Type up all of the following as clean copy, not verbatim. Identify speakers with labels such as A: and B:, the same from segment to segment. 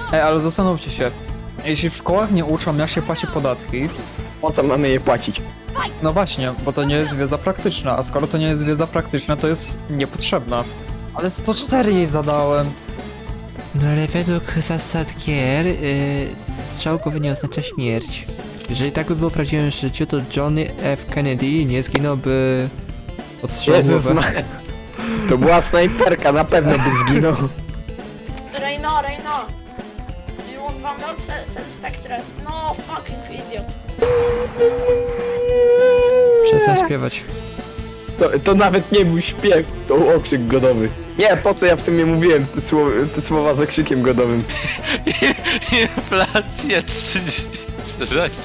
A: Ej, ale zastanówcie się. Jeśli w szkołach nie uczą, jak się płaci podatki,
B: Po co mamy je płacić?
A: no właśnie, bo to nie jest wiedza praktyczna, a skoro to nie jest wiedza praktyczna, to jest niepotrzebna. Ale 104 jej zadałem.
C: No ale według zasad gier, strzał głowy nie oznacza śmierć. Jeżeli tak by było w prawdziwym życiu, to Johnny F. Kennedy nie zginąłby od strzału w
B: Jezus
C: głowę.
B: Maria. To była snajperka, na pewno by zginął.
D: Reina. Do you want Vandal? Send Spectres. No, fucking idiot.
C: Przestań śpiewać.
B: To nawet nie był śpiew, to był okrzyk godowy. Nie, po co ja w sumie mówiłem te słowa z okrzykiem godowym?
E: Inflacja 36.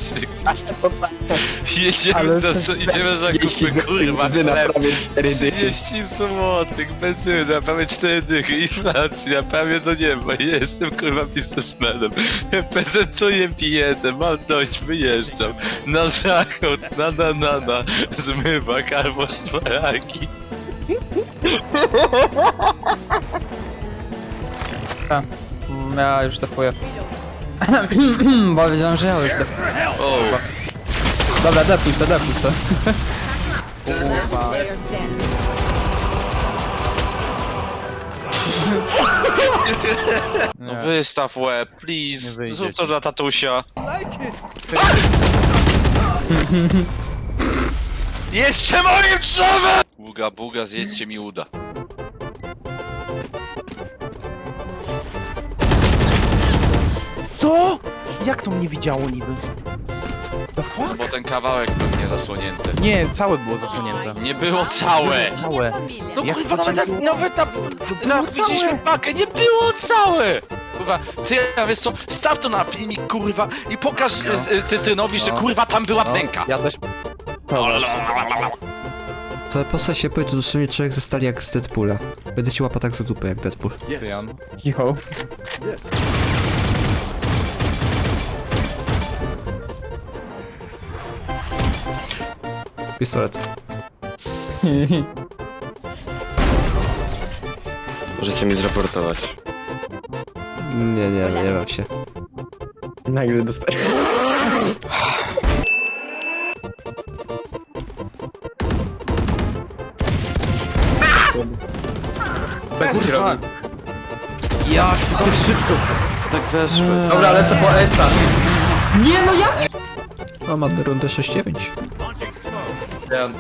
E: Idziemy zakupy, kurwa,
B: benzyna
E: chleb.
B: prawie 4 dychy.
E: 30 złotych, benzyna, prawie 4 dychy, inflacja, prawie do nieba, jestem kurwa biznesmenem, prezentuję biedę, mam dość, wyjeżdżam, na zachód, na, zmywak albo szparagi.
A: Ja już defuję. Bo wiedziałem, że ja już defuję.
E: O,
A: Dobra, defuj se.
E: no wystaw łeb, please, zrób to dla tatusia. Jeszcze moim drzewem! Buga, zjedźcie mi uda.
F: Co? Jak to mnie widziało niby? The fuck?
E: No bo ten kawałek był niezasłonięty.
F: Nie, całe było zasłonięte.
E: Nie było całe!
F: Całe.
E: No
F: Jak
E: kurwa,
F: to
E: nawet
F: było
E: widzieliśmy pakę, nie było całe! Kurwa, wiesz co, staw to na filmik, kurwa, i pokaż Cytrynowi, że kurwa tam była pęka.
A: Ja też...
C: Twoja postać się powie, to dosłownie człowiek ze stali jak z Deadpoola. Będę ci łapał tak za dupę jak Deadpool.
F: Cyjan.
A: Cicho.
C: Pistolet.
G: Możecie mi zraportować.
C: Nie baw się.
B: Nagle dostałem.
A: Bez ci robi.
F: Jak tam szybko.
G: Tak weszły.
A: Dobra, lecę po Esa. Nie no jak?
C: O, mamy rundę 6-9.
A: Cyjan,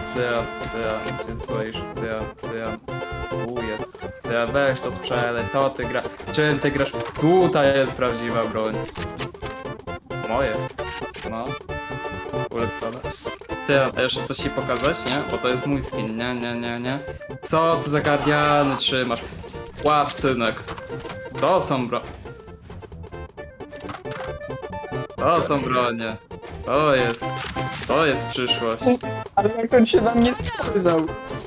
A: tu jest. Cyjan, weź to sprzedaj, cała ty gra... Czym ty grasz? Tutaj jest prawdziwa broń. Moje. No. Ulepszone. Cyjan, a jeszcze coś ci pokazać, nie? Bo to jest mój skin, nie. Co ty za guardiany trzymasz? Łap, synek. To są To są bronie. To jest przyszłość.
B: Ale jak on się na mnie spojrzał.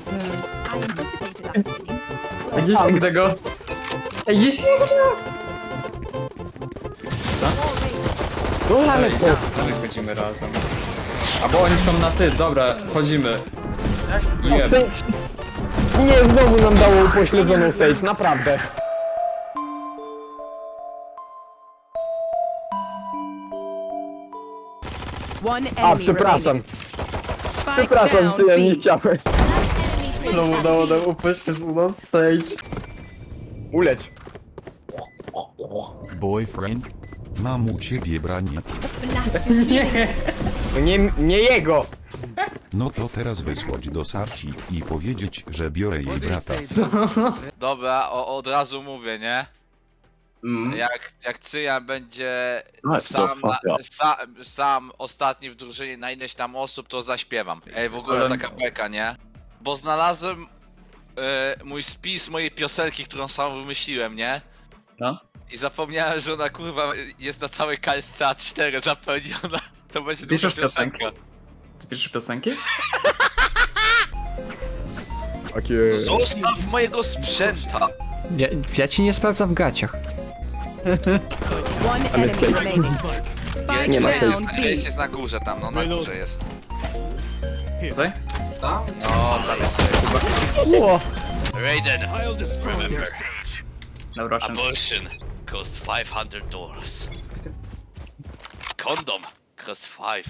A: Nie sięgnę go. Ej, nie sięgnę go.
B: No ale co?
A: My chodzimy razem. A bo oni są na ty, dobra, chodzimy. Jeb.
B: Nie, znowu nam dało upośledzoną sage, naprawdę. A, przepraszam. Przepraszam, ty ja nie chciałem.
A: Znowu dało nam upośledzoną stage.
B: Ulecz.
H: Boyfriend? Mam u ciebie branie.
B: No nie jego.
H: No to teraz wysłać do Sarci i powiedzieć, że biorę jej brata.
E: Dobra, od razu mówię, nie? Jak Cyjan będzie sam ostatni w drużynie na ileś tam osób, to zaśpiewam. Ej, w ogóle taka beka, nie? Bo znalazłem mój spis mojej piosenki, którą sam wymyśliłem, nie?
A: No.
E: I zapomniałem, że ona kurwa jest na całej kalce A4 zapełniona. To będzie długa
A: Piszesz
E: piosenka.
A: piosenki? Ty piszesz piosenki?
B: Takie...
E: Zostaw mojego sprzęta!
C: Ja ci nie sprawdzam w gaciach.
B: Nie ma
E: Race jest na górze tam, no na górze jest.
A: Tutaj?
E: No, tam jest Race.
B: Ło!
E: Raiden, remember,
A: Dobra,
E: abortion costs $500. Condom costs 5.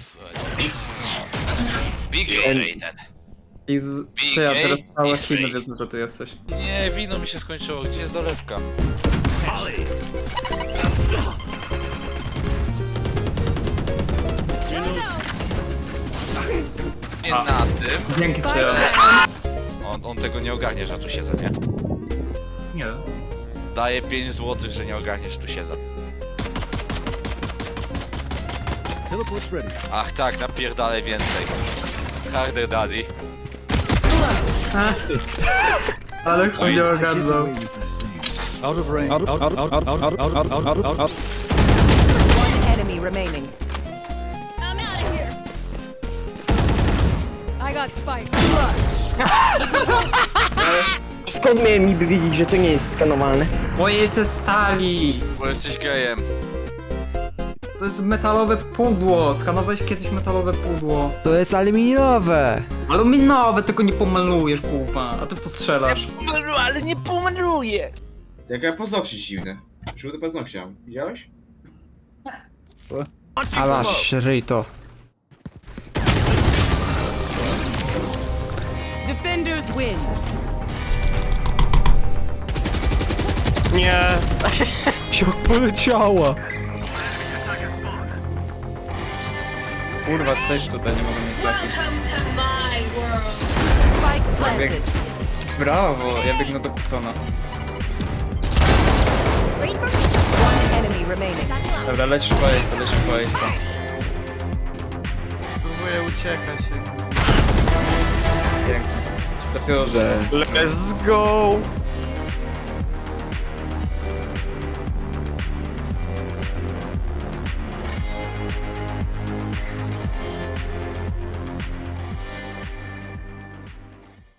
E: Big rated.
A: I co ja teraz całe
E: Is
A: Chiny
E: free.
A: wiedzą, że tu jesteś.
E: Nie, wino mi się skończyło. Gdzie jest dolewka? Nie
A: A.
E: na tym.
A: Dzięki Cyjan.
E: On tego nie ogarnie, że ja tu siedzę, nie?
A: Nie.
E: Daję 5 zł, że nie ogarniesz, tu siedzę. Ach tak, napierdalaj więcej. Harder daddy.
A: Ale chuj nie ogarnął.
I: One enemy remaining.
D: I'm out of here.
I: I got spike.
B: Skąd miałem niby wiedzieć, że to nie jest skanowalne?
A: Bo jest ze stali.
E: Bo jesteś gejem.
A: To jest metalowe pudło. Skanowałeś kiedyś metalowe pudło.
C: To jest aluminiowe.
A: Aluminowe, tylko nie pomalujesz, kupa. A ty w to strzelasz.
F: Ale nie pomaluję!
J: Jaka paznokcie dziwne. Żółte paznokcie mam. Widziałeś?
A: Co?
C: A masz, ryj to.
I: Defenders win.
G: Nie!
C: Jak poleciała.
A: Kurwa, jesteś tutaj, nie mogę mnie trafić.
D: Welcome to my world.
I: Spike planted.
A: Brawo, ja biegnę do Kupsona.
I: One enemy remaining.
A: Dobra, lecisz po Ace'a, lecisz po Ace'a. Próbuję uciekać. Pięknie. Dopiero, że...
G: Let's go!